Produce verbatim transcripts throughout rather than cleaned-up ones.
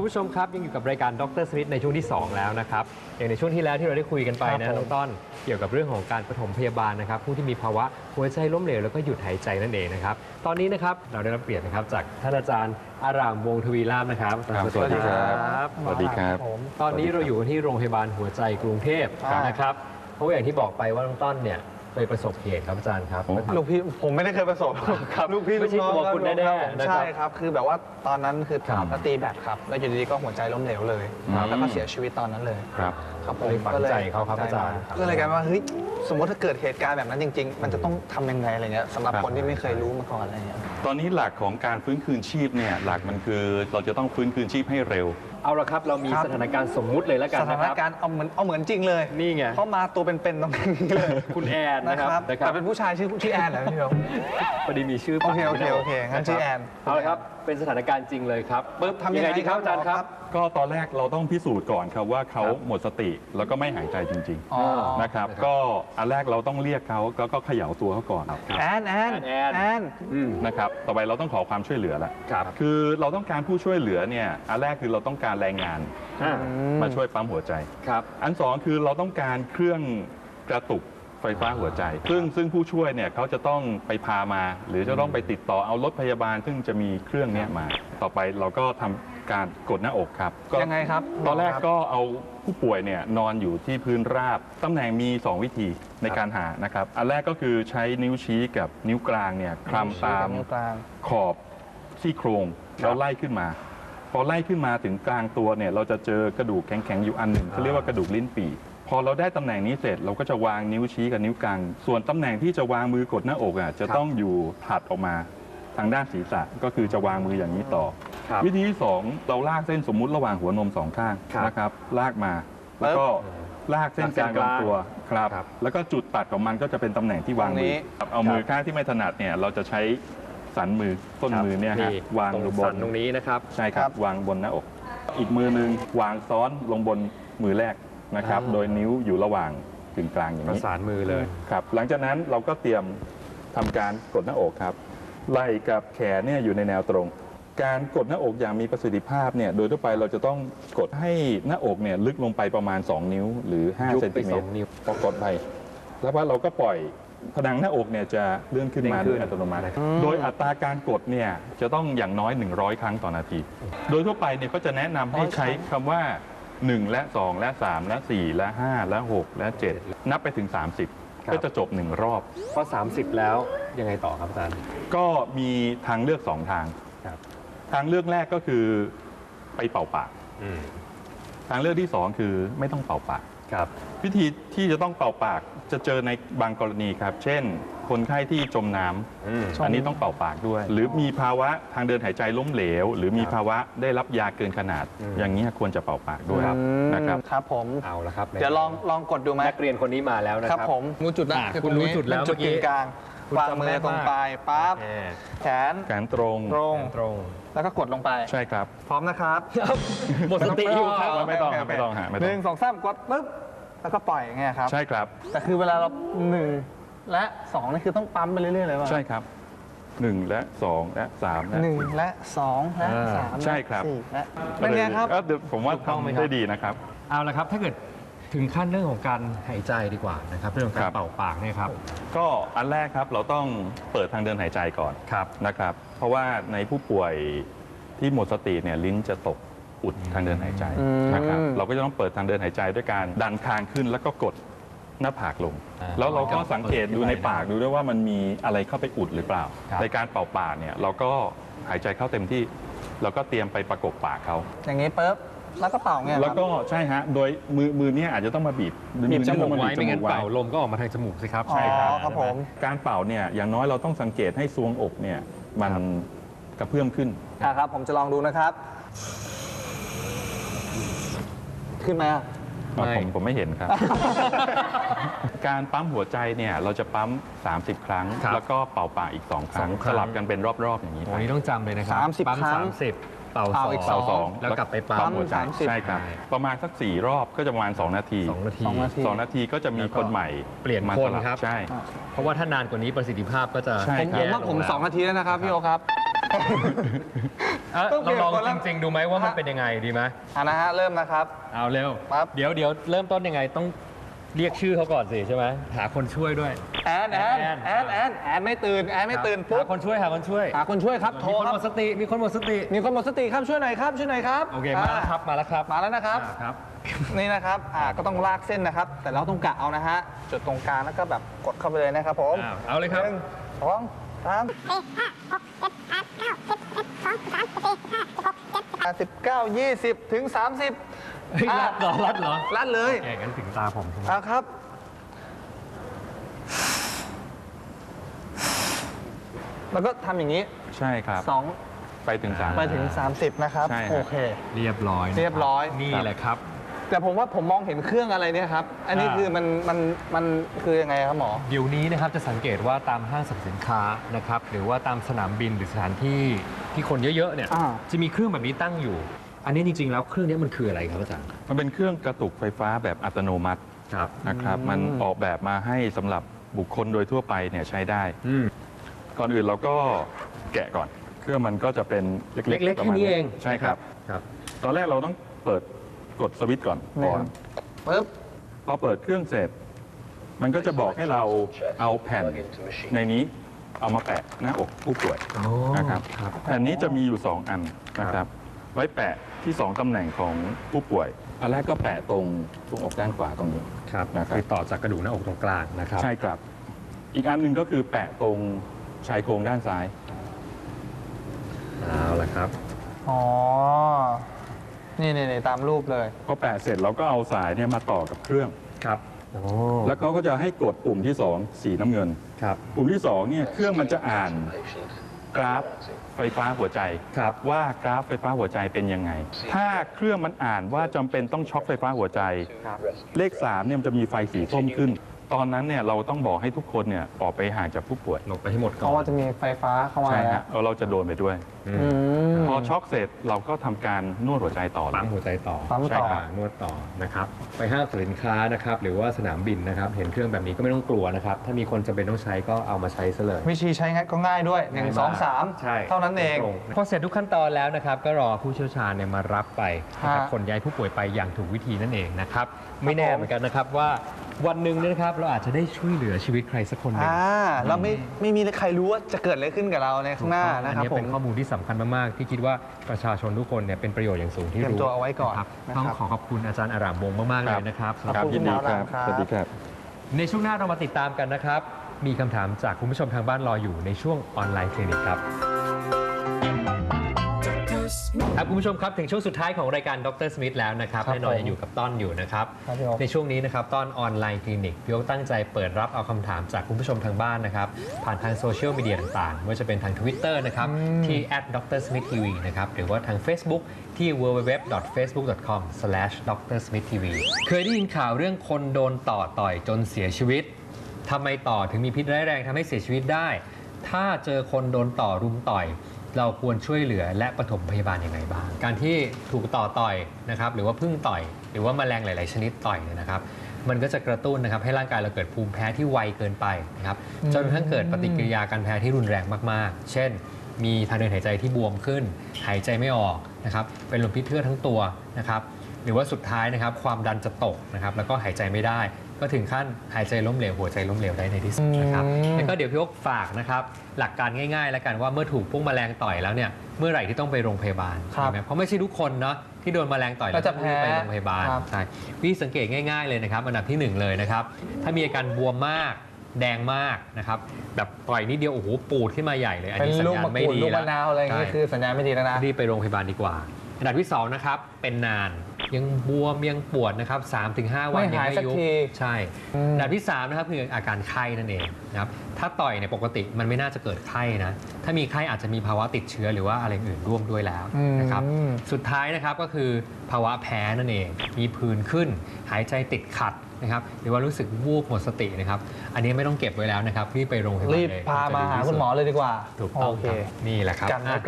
ผู้ชมครับยังอยู่กับรายการดรสมิธในช่วงที่สองแล้วนะครับอย่างในช่วงที่แล้วที่เราได้คุยกันไปนะน้องต้นเกี่ยวกับเรื่องของการปฐมพยาบาลนะครับผู้ที่มีภาวะหัวใจล้มเหลวแล้วก็หยุดหายใจนั่นเองนะครับตอนนี้นะครับเราได้รับเกียรตินะครับจากท่านอาจารย์อารามวงศ์ทวีลาภนะครับสวัสดีครับสวัสดีครับตอนนี้เราอยู่ที่โรงพยาบาลหัวใจกรุงเทพนะครับเพราะอย่างที่บอกไปว่าน้องต้นเนี่ยไปประสบเหตุครับอาจารย์ครับลูกพี่ผมไม่ได้เคยประสบครับลูกพี่ลูกน้องคุณแน่ๆใช่ครับคือแบบว่าตอนนั้นคือตีแบตครับแล้วอยู่ดีๆก็หัวใจล้มเหลวเลยแล้วก็เสียชีวิตตอนนั้นเลยครับครับผมก็เลยฝังใจเขาครับอาจารย์ก็เลยกลายเป็นว่าเฮ้ยสมมติถ้าเกิดเหตุการณ์แบบนั้นจริงๆมันจะต้องทำยังไงอะไรเงี้ยสำหรับคนที่ไม่เคยรู้มาก่อนอะไรเงี้ยตอนนี้หลักของการฟื้นคืนชีพเนี่ยหลักมันคือเราจะต้องฟื้นคืนชีพให้เร็วเอาละครับเรามีสถานการณ์สมมุติเลยแล้วกันนะครับสถานการณ์เอาเหมือนเอาเหมือนจริงเลยนี่ไงเพราะมาตัวเป็นๆตรงนี้เลยคุณแอนนะครับแต่เป็นผู้ชายชื่อชื่อแอนเหรอพี่เบลพอดีมีชื่อโอเคโอเคโอเคงั้นชื่อแอนเอาละครับเป็นสถานการณ์จริงเลยครับปึ๊บทำยังไงดีครับอาจารย์ครับก็ตอนแรกเราต้องพิสูจน์ก่อนครับว่าเขาหมดสติแล้วก็ไม่หายใจจริงๆนะครับก็อันแรกเราต้องเรียกเขาแล้วก็เขย่าตัวเขาก่อนแอนแอนแอนแอนนะครับต่อไปเราต้องขอความช่วยเหลือแล้วคือเราต้องการผู้ช่วยเหลือเนี่ยอันแรกคือเราต้องการแรงงานมาช่วยปั๊มหัวใจครับอันสองคือเราต้องการเครื่องกระตุกไฟฟ้าหัวใจซึ่งซึ่งผู้ช่วยเนี่ยเขาจะต้องไปพามาหรือจะต้องไปติดต่อเอารถพยาบาลซึ่งจะมีเครื่องนี้มาต่อไปเราก็ทำการกดหน้าอกครับยังไงครับตอนแรกก็เอาผู้ป่วยเนี่ยนอนอยู่ที่พื้นราบตำแหน่งมีสองวิธีในการหานะครับอันแรกก็คือใช้นิ้วชี้กับนิ้วกลางเนี่ยคลำตามขอบซี่โครงแล้วไล่ขึ้นมาพอไล่ขึ้นมาถึงกลางตัวเนี่ยเราจะเจอกระดูกแข็งๆอยู่อันหนึ่งเขาเรียกว่ากระดูกลิ้นปี่พอเราได้ตำแหน่งนี้เสร็จเราก็จะวางนิ้วชี้กับนิ้วกลางส่วนตำแหน่งที่จะวางมือกดหน้าอกอ่ะจะต้องอยู่ถัดออกมาทางด้านศีรษะก็คือจะวางมืออย่างนี้ต่อวิธีที่สองเราลากเส้นสมมุติระหว่างหัวนมสองข้างนะครับลากมาแล้วก็ลากเส้นกลางลำตัวครับแล้วก็จุดตัดของมันก็จะเป็นตำแหน่งที่วางมือเอามือข้างที่ไม่ถนัดเนี่ยเราจะใช้สันมือต้นมือเนี่ยฮะวางลงบนตรงนี้นะครับใช่ครับวางบนหน้าอกอีกมือหนึ่งวางซ้อนลงบนมือแรกนะครับโดยนิ้วอยู่ระหว่างกึ่งกลางอย่างนี้ประสานมือเลยครับหลังจากนั้นเราก็เตรียมทำการกดหน้าอกครับไหล่กับแขนเนี่ยอยู่ในแนวตรงการกดหน้าอกอย่างมีประสิทธิภาพเนี่ยโดยทั่วไปเราจะต้องกดให้หน้าอกเนี่ยลึกลงไปประมาณสองนิ้วหรือห้าเซนติเมตรพอกดไปแล้วว่าเราก็ปล่อยผนังหน้าอกเนี่ยจะเลื่อนขึ้นมาโดยอัตโนมัติโดยอัตราการกดเนี่ยจะต้องอย่างน้อยหนึ่งร้อยครั้งต่อนาทีโดยทั่วไปเนี่ยก็จะแนะนำให้ใช้คำว่าหนึ่งและสองและสามและสี่และห้าและหกและเจ็ดนับไปถึงสามสิบก็จะจบหนึ่งรอบพอสามสิบแล้วยังไงต่อครับอาจารย์ก็มีทางเลือกสองทางทางเลือกแรกก็คือไปเป่าปากทางเลือกที่สองคือไม่ต้องเป่าปากครับวิธีที่จะต้องเป่าปากจะเจอในบางกรณีครับเช่นคนไข้ที่จมน้ำอันนี้ต้องเป่าปากด้วยหรือมีภาวะทางเดินหายใจล้มเหลวหรือมีภาวะได้รับยาเกินขนาดอย่างนี้ควรจะเป่าปากด้วยนะครับครับผมเอาละครับเดี๋ยวลองลองกดดูไหมนักเรียนคนนี้มาแล้วนะครับผมรู้จุดแล้วคุณรู้จุดแล้วจุดกลางวางมือตรงปลายปั๊บแขนแขนตรงตรงตรงแล้วก็กดลงไปใช่ครับพร้อมนะครับหมดสติอยู่ครับไม่ต้องไม่ต้องหาหนึ่งสองสามกดปึ๊บแล้วก็ปล่อยไงครับใช่ครับแต่คือเวลาเราหนึ่งและสองนี่คือต้องปั๊มไปเรื่อยๆเลยว่าใช่ครับหนึ่งและสองและสามหนึ่งและสองและสามใช่ครับและเป็นไงครับผมว่าทำได้ดีนะครับเอาละครับถ้าเกิดถึงขั้นเรื่องของการหายใจดีกว่านะครับเรื่องของการเป่าปากเนี่ยครับก็อันแรกครับเราต้องเปิดทางเดินหายใจก่อนนะครับเพราะว่าในผู้ป่วยที่หมดสติเนี่ยลิ้นจะตกอุดทางเดินหายใจนะครับเราก็จะต้องเปิดทางเดินหายใจด้วยการดันคางขึ้นแล้วก็กดหน้าผากลงแล้วเราก็สังเกตดูในปากดูด้วยว่ามันมีอะไรเข้าไปอุดหรือเปล่าในการเป่าปากเนี่ยเราก็หายใจเข้าเต็มที่เราก็เตรียมไปประกบปากเขาอย่างนี้ปุ๊บแล้วก็เป่าเนี่ยแล้วก็ใช่ฮะโดยมือมือเนี่ยอาจจะต้องมาบีบบีบจมูกไว้ไม่งั้นเป่าลมก็ออกมาทางจมูกสิครับใช่ครับครับผมการเป่าเนี่ยอย่างน้อยเราต้องสังเกตให้ซวงอกเนี่ยมันกระเพื่อมขึ้นครับผมจะลองดูนะครับขึ้นไหมผมผมไม่เห็นครับการปั๊มหัวใจเนี่ยเราจะปั๊มสามสิบครั้งแล้วก็เป่าปากอีกสองครั้งสลับกันเป็นรอบๆอย่างนี้โอ้ยต้องจำเลยนะครับปั๊มสามสิบเป่าอีกสองแล้วกลับไปปั๊มหัวใจใช่ครับประมาณสักสี่รอบก็จะประมาณสองนาทีสองนาทีสองนาทีก็จะมีคนใหม่เปลี่ยนคนครับใช่เพราะว่าถ้านานกว่านี้ประสิทธิภาพก็จะผมว่าผมสองนาทีแล้วนะครับพี่โอครับอ่ะต้องเปลี่เรายนลองคนละจริงๆดูไหมว่ามันเป็นยังไงดีไหมอ่ะนะฮะเริ่มนะครับเอาเร็วปั๊บเดี๋ยวเดี๋ยวเริ่มต้นยังไงต้องเรียกชื่อเขาก่อนสิใช่ไหมหาคนช่วยด้วยแอนแอนแอนแอนแอนไม่ตื่นแอนไม่ตื่นปุ๊หาบคนช่วยหาคนช่วยหาคนช่วยครับโทรมีคนครัหมบดสติมีคนหมดสติมีคนหมดสติครับช่วยหน่อยครับช่วยหน่อยครับโอเคมาแล้วครับมาแล้วครับมาแล้วนะครับอ่าครับนี่นะครับอ่าก็ต้องลากเส้นนะครับ แต่เราต้องกะเอานะฮะจุดตรงกลางแล้วก็แบบกดเข้าไปเลยนะครับผมอ้าวเอาเลยครับหนึ่งสองสามสิบเก้ายี่สิบถึงสามสิบเฮ้ยรัดเหรอรัดเหรอรัดเลยแกงั้นถึงตาผมใช่ไหมเอาครับ แล้วก็ทำอย่างนี้ใช่ครับสองไปถึงสามไปถึงสามสิบนะครับใช่ครับโอเคเรียบร้อยนะคเรียบร้อยนี่แหละครับแต่ผมว่าผมมองเห็นเครื่องอะไรเนี่ยครับ อันนี้อ่าคือมันมันมันคือยังไงครับหมอเดี๋ยวนี้นะครับจะสังเกตว่าตามห้างสรรพสินค้านะครับหรือว่าตามสนามบินหรือสถานที่ที่คนเยอะๆเนี่ยอ่าจะมีเครื่องแบบนี้ตั้งอยู่ อันนี้จริงๆแล้วเครื่องนี้มันคืออะไรครับอาจารย์มันเป็นเครื่องกระตุกไฟฟ้าแบบอัตโนมัติครับนะครับอืมมันออกแบบมาให้สำหรับบุคคลโดยทั่วไปเนี่ยใช้ได้อืมก่อนอื่นเราก็แกะก่อน เครื่องมันก็จะเป็นเล็กๆเล็กๆประมาณแค่นี้เองใช่ครับครับตอนแรกเราต้องเปิดกดสวิตช์ก่อนเนี่ยก่อนปึ๊บพอเปิดเครื่องเสร็จ มันก็จะบอกให้เราเอาแผ่นในนี้เอามาแปะหน้าอกผู้ป่วยอ๋อนะครับครับแผ่นนี้จะมีอยู่ 2 อันนะครับ ไว้แปะที่ 2ตำแหน่งของผู้ป่วย อันแรกก็แปะตรงตรงอกด้านขวาตรงนี้ครับนะครับคือต่อจากกระดูกหน้าอกตรงกลางนะครับใช่ครับ อีกอันหนึ่งก็คือแปะตรงชายโครงด้านซ้ายเอาละครับอ๋อ นี่นี่นี่ตามรูปเลยพอแปะเสร็จเราก็เอาสายเนี่ยมาต่อกับเครื่องครับโอ้แล้วเขาก็จะให้กดปุ่มที่ 2 สีน้ำเงินครับปุ่มที่2เนี่ยเครื่องมันจะอ่านกราฟไฟฟ้าหัวใจครับว่ากราฟไฟฟ้าหัวใจเป็นยังไง ถ้าเครื่องมันอ่านว่าจำเป็นต้องช็อคไฟฟ้าหัวใจครับเลขสามเนี่ยมันจะมีไฟสีส้มขึ้น ตอนนั้นเนี่ยเราต้องบอกให้ทุกคนเนี่ยออกไปห่างจากผู้ป่วยหลบไปให้หมดเพก่อราะว่าน จะมีไฟฟ้าเข้ามาใช่แล้ฮะวเอาเราจะโดนไปด้วยอือืมมพอช็อกเสร็จเราก็ทำการนวดหัวใจต่อเลปั๊มยหัวใจต่อปั๊มต่อใช่ครับนวดต่อนะครับ ไปห้างสรรพสินค้านะครับหรือว่าสนามบินนะครับ เห็นเครื่องแบบนี้ก็ไม่ต้องกลัวนะครับ ถ้ามีคนจำเป็นต้องใช้ก็เอามาใช้ซะเลยวิธีใช้ง่ายก็ง่ายด้วยหนึ่งสองสามใช่เท่านั้นเองตรงพอเสร็จทุกขั้นตอนแล้วนะครับ ก็รอผู้เชี่ยวชาญเนี่ยมารับไปนะครับฮะขนย้ายผู้ป่วยไปอย่างถูกวิธีนั่นเองนะครับ ไม่แน่เหมือนกันนะครับว่าวันหนึ่งเนี่ยนะครับเราอาจจะได้ช่วยเหลือชีวิตใครสักคนหนึ่งอ่าเราไม่ไม่มีใครรู้ว่าจะเกิดอะไรขึ้นกับเราในข้างหน้าอันะนครับนี้ผเป็มนข้อมูลที่สำคัญมาก ๆ ที่คิดว่าประชาชนทุกคนเนี่ยเป็นประโยชน์อย่างสูงที่เตรียมรู้ตัวเอาไว้ก่อนนะครับนะครับต้องขอขอบคุณอาจารย์อารามวงศ์มาก ๆ เลยนะครับขอบครับคุณยินดีหมอครับครับสวัสดีครับในช่วงหน้าเรามาติดตามกันนะครับ มีคำถามจากคุณผู้ชมทางบ้านรออยู่ในช่วงออนไลน์คลินิกครับครับคุณผู้ชมครับถึงช่วงสุดท้ายของรายการดรสมิธแล้วนะครับครับแน่นอนผมยังอยู่กับต้อนอยู่นะครับครับพี่โอ๊คในช่วงนี้นะครับต้อนออนไลน์คลินิกพี่โอ๊คตั้งใจเปิดรับเอาคำถามจากคุณผู้ชมทางบ้านนะครับผ่านทางโซเชียลมีเดียต่างๆไม่ว่าจะเป็นทาง Twitter นะครับที่ แอท ดรสมิธทีวี นะครับหรือว่าทาง Facebook ที่ ดับเบิลยู ดับเบิลยู ดับเบิลยู ดอท เฟซบุ๊ก ดอท คอม สแลช ดรสมิธทีวี เคยได้ยินข่าวเรื่องคนโดนต่อต่อยจนเสียชีวิตทำไมต่อถึงมีพิษร้ายแรงทำให้เสียชีวิตได้ ถ้าเจอคนโดนต่อรุมต่อย เราควรช่วยเหลือและปฐมพยาบาลยังไงบ้าง การที่ถูกต่อต่อยนะครับหรือว่าพึ่งต่อย หรือว่าแมลงหลาย ๆ ชนิดต่อยเนี่ยนะครับ มันก็จะกระตุ้นนะครับให้ร่างกายเราเกิดภูมิแพ้ที่ไวเกินไปนะครับจนกระทั่งเกิดปฏิกิริยาการแพ้ที่รุนแรงมาก ๆ เช่น มีทางเดินหายใจที่บวมขึ้น หายใจไม่ออกนะครับเป็นลมพิษเทือกทั้งตัวนะครับหรือว่าสุดท้ายนะครับความดันจะตกนะครับแล้วก็หายใจไม่ได้ ก็ถึงขั้นหายใจล้มเหลวหัวใจล้มเหลวได้ในที่สุดนะครับอืมแล้วก็เดี๋ยวพี่โอ๊คฝากนะครับหลักการง่าย ๆ แล้วกันว่าเมื่อถูกพวกแมลงต่อยแล้วเนี่ยเมื่อไหร่ที่ต้องไปโรงพยาบาลครับใช่ไหมเพราะไม่ใช่ทุกคนเนาะที่โดนแมลงต่อยแล้วก็จะต้องรีบไปโรงพยาบาลครับใช่วิธีสังเกตง่าย ๆ เลยนะครับอันดับที่หนึ่งเลยนะครับถ้ามีอาการบวมมากแดงมากนะครับแบบต่อยนิดเดียวโอ้โหปูดขึ้นมาใหญ่เลยอันเป็นนี้สัญลูกญาณมะไม่กรูดดีลูกแล้มะนาวอะไรอย่างงี้ใช่คือสัญญาณไม่ดีแล้วนะรีบไปโรงพยาบาลดีกว่า อันดับที่สองนะครับเป็นนานยังบวมยังปวดนะครับ สามถึงห้า วันไม่ยังหายไม่สักยุบทีใช่อืมอันดับที่สามนะครับคืออาการไข้นั่นเองนะครับถ้าต่อยเนี่ยปกติมันไม่น่าจะเกิดไข้นะถ้ามีไข้อาจจะมีภาวะติดเชื้อหรือว่าอะไรอื่นร่วมด้วยแล้วนะครับอืมสุดท้ายนะครับก็คือภาวะแพ้นั่นเอง มีผื่นขึ้น หายใจติดขัดนะครับหรือว่ารู้สึกวูบหมดสตินะครับอันนี้ไม่ต้องเก็บไว้แล้วนะครับรีบไปโรงพยาบาลรีบเลยพามาหาคุณหมอเลยดีกว่าถูกต้องโอเคครับนี่แหละครับกันไว้ก่อนะ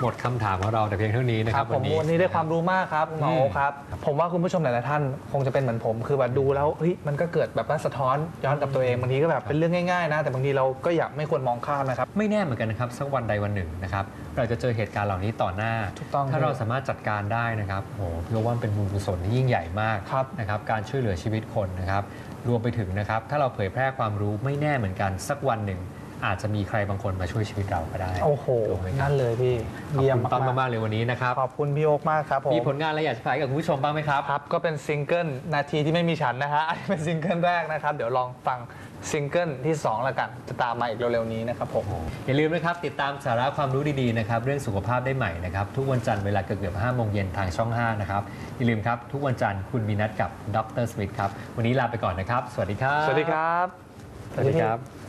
หมดคำถามของเราแต่เพียงเท่านี้นะคครัรับบ ผมวันนี้ได้ความรู้มากครับหมอโอ๊คครับ ผมว่าคุณผู้ชมหลายๆท่านคงจะเป็นเหมือนผม คือแบบดูแล้วเฮ้ยมันก็เกิดแบบว่าสะท้อนย้อนกับตัวเองบางทีก็แบบเป็นเรื่องง่ายๆนะแต่บางทีเราก็อยากไม่ควรมองข้ามนะครับไม่แน่เหมือนกันนะครับสักวันใดวันหนึ่งนะครับเราจะเจอเหตุการณ์เหล่านี้ต่อหน้าถูกต้องถ้าเราสามารถจัดการได้นะครับโอ้โหพี่ว่ามันเป็นบุญกุศลที่ยิ่งใหญ่มากครับนะครับการช่วยเหลือชีวิตคนนะครับรวมไปถึงนะครับถ้าเราเผยแพร่ความรู้ไม่แน่เหมือนกันสักวันหนึ่งอาจจะมีใครบางคนมาช่วยชีวิตเราก็ได้โอ้โหถูกไหมครับนั่นเลยพี่ขอบเยี่ยมคุณต้นมากมากๆเลยวันนี้นะครับๆขอบคุณพี่โอ๊คมากครับผมมีผลงานอะไรอยากจะฝากกับคุณผู้ชมบ้างไหมครับครับก็เป็นซิงเกิลนาทีที่ไม่มีฉันนะฮะอันนี้เป็นซิงเกิลแรกนะครับเดี๋ยวลองฟังซิงเกิลที่สองแล้วกันจะตามมาอีกเร็วๆนี้นะครับผมอย่าลืมนะครับติดตามสาระความรู้ดีๆนะครับเรื่องสุขภาพได้ใหม่นะครับทุกวันจันทร์เวลาเกือบๆห้าโมงเย็นทางช่องห้านะครับอย่าลืมครับทุกวันจันทร์คุณมีนัดกับดรสมิธครับวันนี้ลาไปก่อนนะครับสวัสดีครับสวัสดีครับสวัสดีครับ